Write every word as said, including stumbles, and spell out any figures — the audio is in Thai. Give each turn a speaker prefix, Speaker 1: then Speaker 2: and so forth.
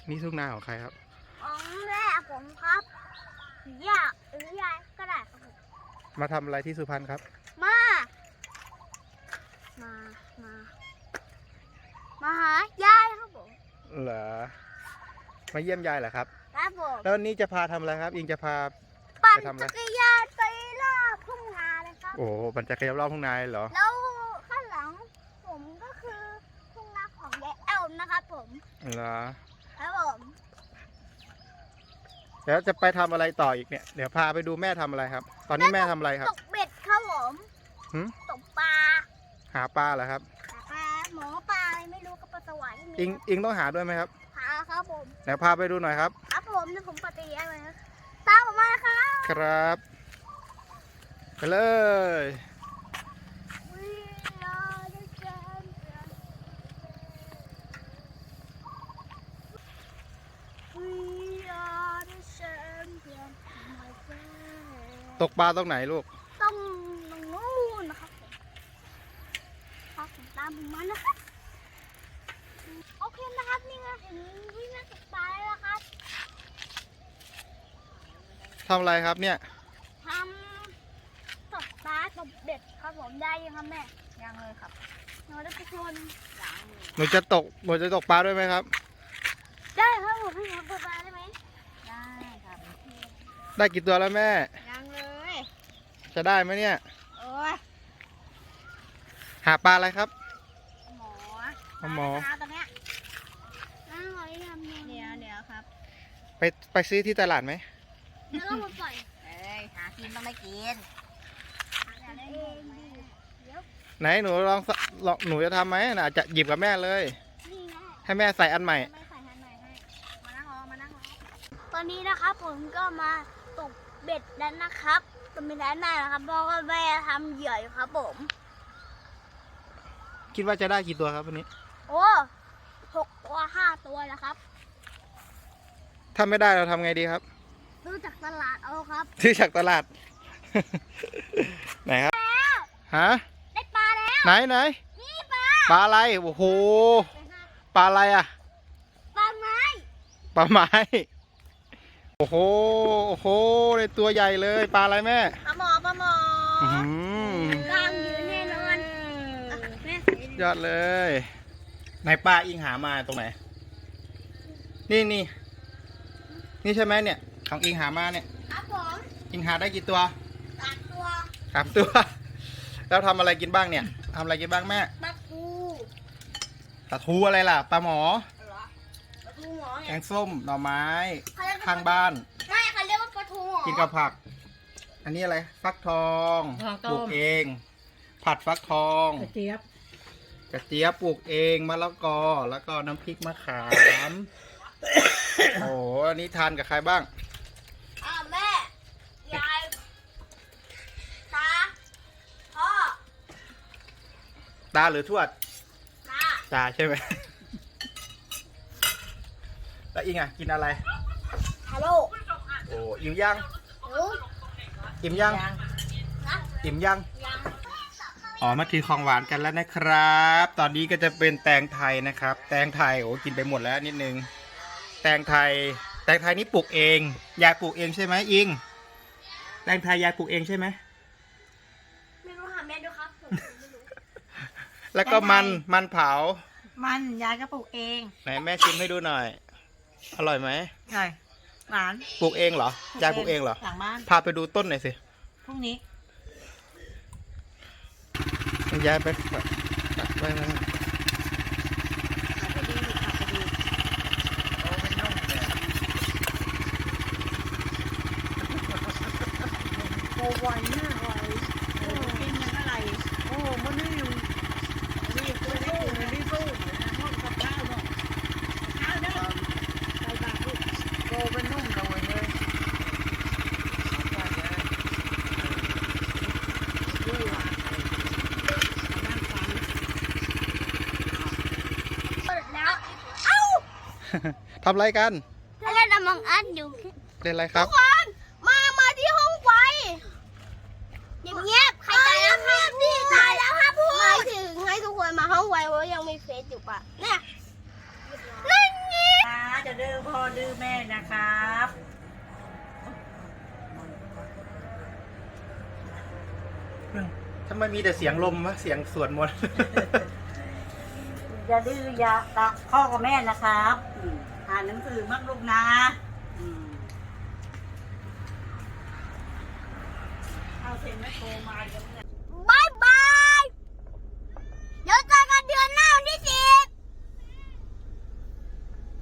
Speaker 1: นี่ทุ่งนาของใครครับ
Speaker 2: ของแม่ผมครับย่าหรือยายก็ได้ครับผม
Speaker 1: มาทำอะไรที่สุพรรณครับ
Speaker 2: มา มา มา มาหายายครับผม
Speaker 1: เหรอมาเยี่ยมยายเหรอครับ
Speaker 2: ครับผม
Speaker 1: แล้ววันนี้จะพาทำอะไรครับอิงจะพา
Speaker 2: ปั่นจักรยานไปรอบทุ่งนาเลยครับ
Speaker 1: โอ้ปั่นจักรยานรอบทุ่งนาเหรอ
Speaker 2: แล้วข้างหลังผมก็คือทุ่งนาของยายแอลนะครับผม
Speaker 1: เหรอ
Speaker 2: ครับผม
Speaker 1: เดี๋ยวจะไปทำอะไรต่ออีกเนี่ยเดี๋ยวพาไปดูแม่ทำอะไรครับตอนนี้แม่ทำอะไรครับ
Speaker 2: ตกเบ็ดครับผมตกปลา
Speaker 1: หาปลาเหรอครับ
Speaker 2: ปลาหมอปลาไม่รู้กับปลาสวาย
Speaker 1: อิงอิงต้องหาด้วยไหมครับ
Speaker 2: หาครับผม
Speaker 1: เดี๋ยวพาไปดูหน่อยครับ
Speaker 2: ครับผมเดี๋ยวผมปฏิญาณเลยนะตามผมมาครับ
Speaker 1: ครับไปเลย ตกปลาตรงไหนลูก
Speaker 2: ตรงตรงนู้นนะครับครับตามผมมานะครับโอเคนะครับนี่ไงถึงวิ่งมาตกปลาแล้วครับ
Speaker 1: ทำอะไรครับเนี่ย
Speaker 2: ทำตกปลาตกเบ็ดครับผมได้ยังครับแม่ยังเลยครับหนูได้ไปชวน
Speaker 1: หนูจะตกหนูจะตกปลาด้วยไหมครับ
Speaker 2: ได้ครับผมให้หนูตกปลาได้ไหมได้ครับ
Speaker 1: ได้กี่ตัวแล้วแม่
Speaker 2: ยังเลย
Speaker 1: จะได้ไหมเนี่ย
Speaker 2: โอ้ย
Speaker 1: หาปลาอะไรครับ
Speaker 2: หมอ
Speaker 1: หมอ
Speaker 2: ตรงเนี้ยน่าหอยทำเดี๋ยวเดี๋ยวครับ
Speaker 1: ไปไปซื้อที่ตลาดไหม
Speaker 2: แล้วก็มาปล่อยเอ้ยหากินต้องไม่กิน
Speaker 1: ไหนหนูลองลองหนูจะทำไหมน่ะจะหยิบกับแม่เลยให้แม่ใส่อันใหม่
Speaker 2: ตอนนี้นะครับผมก็มาตกเบ็ดแล้วนะครับตอนนี้ได้นานนะครับเพราะว่าแม่ทำเหยื่ออยู่ครับผม
Speaker 1: คิดว่าจะได้กี่ตัวครับวันนี้
Speaker 2: โอ้หกตัวห้าตัวแล้วครับ
Speaker 1: ถ้าไม่ได้เราทำไงดีครับ
Speaker 2: ซื้อจากตลาดเอาครับ
Speaker 1: ซื้อจากตลาดไหนครับฮะ
Speaker 2: ได้ปลาแล้ว
Speaker 1: ไหนไหน
Speaker 2: นี่ปลา
Speaker 1: ปลาอะไรโอ้โหปลาอะไรอ่ะ
Speaker 2: ปลาไม้
Speaker 1: ปลาไม้โอ้โหโอ้โหในตัวใหญ่เลยปลาอะไรแม่
Speaker 2: ปลาหมอปลาหมอกล้ามยืนแน่นอน
Speaker 1: ยอดเลยไหนปลาอิงหามาตรงไหนนี่นี่นี่ใช่ไหมเนี่ยของอิงหามาเนี่ย
Speaker 2: ครับผม
Speaker 1: อิงหาได้กี่ตัว
Speaker 2: สามตัว
Speaker 1: สามตัวแล้วทำอะไรกินบ้างเนี่ยทำอะไรกินบ้างแม่
Speaker 2: ปลาทู
Speaker 1: ปลาทูอะไรล่ะปลาหมอ
Speaker 2: ปลาทูหมอ
Speaker 1: แกงส้มหน่อไม้ข้างบ้าน
Speaker 2: ไม่เขาเรียกว่าปลาทูหมอ
Speaker 1: กินกับผักอันนี้อะไรฟักทองปลูกเองผัดฟักทอง
Speaker 3: กระเจี๊ยบ
Speaker 1: กระเจี๊ยบปลูกเองมะละกอแล้วก็น้ำพริกมะขาม โอ้อันนี้ทานกับใครบ้าง
Speaker 2: อ่าแม่ยายตาพ่อ
Speaker 1: ตาหรือทวด
Speaker 2: ตา
Speaker 1: ตาใช่ไหมแล้วอิงอ่ะกินอะไร
Speaker 2: ฮัลโหล
Speaker 1: โอ้อิ่มยังอิ่มยังอิ่มยังอ๋อมากินของหวานกันแล้วนะครับตอนนี้ก็จะเป็นแตงไทยนะครับแตงไทยโอ้กินไปหมดแล้วนิดนึงแตงไทยแตงไทยนี่ปลูกเองยายปลูกเองใช่ไหมอิงแตงไทยยายปลูกเองใช่ไหม
Speaker 2: ไม่รู้หาแม่ดูครับ
Speaker 1: แล้วก็มันมันเผา
Speaker 3: มันยายก็ปลูกเอง
Speaker 1: ไหนแม่ชิมให้ดูหน่อยอร่อยไหม
Speaker 3: ใช่หวาน
Speaker 1: ปลูกเองเหรอยายปลูกเองเหรอ
Speaker 3: หลังบ้าน
Speaker 1: พาไปดูต้นหน่อยสิ
Speaker 3: พรุ่งนี้
Speaker 1: ยายไปตัดไปนะ
Speaker 3: โอ้ไวมากไวโอ้กินยังอะไรโอ้มันนี่อยู่นี่ตัวนี้ตัวนี้สู้ห้องกับข้าวเนาะข้าวเนาะใส่บาตรลูกโอ้เป็นนุ่มเลยเลย
Speaker 1: ทำอะไรกัน
Speaker 2: เล่นอมองอัดอยู่
Speaker 1: เล่นอะไรครับ
Speaker 2: ทุกคนมามาที่ห้องไฟเงียบๆใครตายแล้วครับนี่ตายแล้วครับพูดไม่ถึงให้ทุกคนมาห้องไฟเพราะยังมีเฟซอยู่ปะเนี่ยนั่นไง
Speaker 3: จะเดิม
Speaker 1: ทำไมมีแต่เสียงลมวะเสียงสวดมนต์
Speaker 3: อย่าดื้ออย่าตะพ่อกับแม่นะครับอืมอ่านหนังสือมั่งลูกนะอืมเอาเซ็นไม่โทรมาเดี๋ยวเนี่ย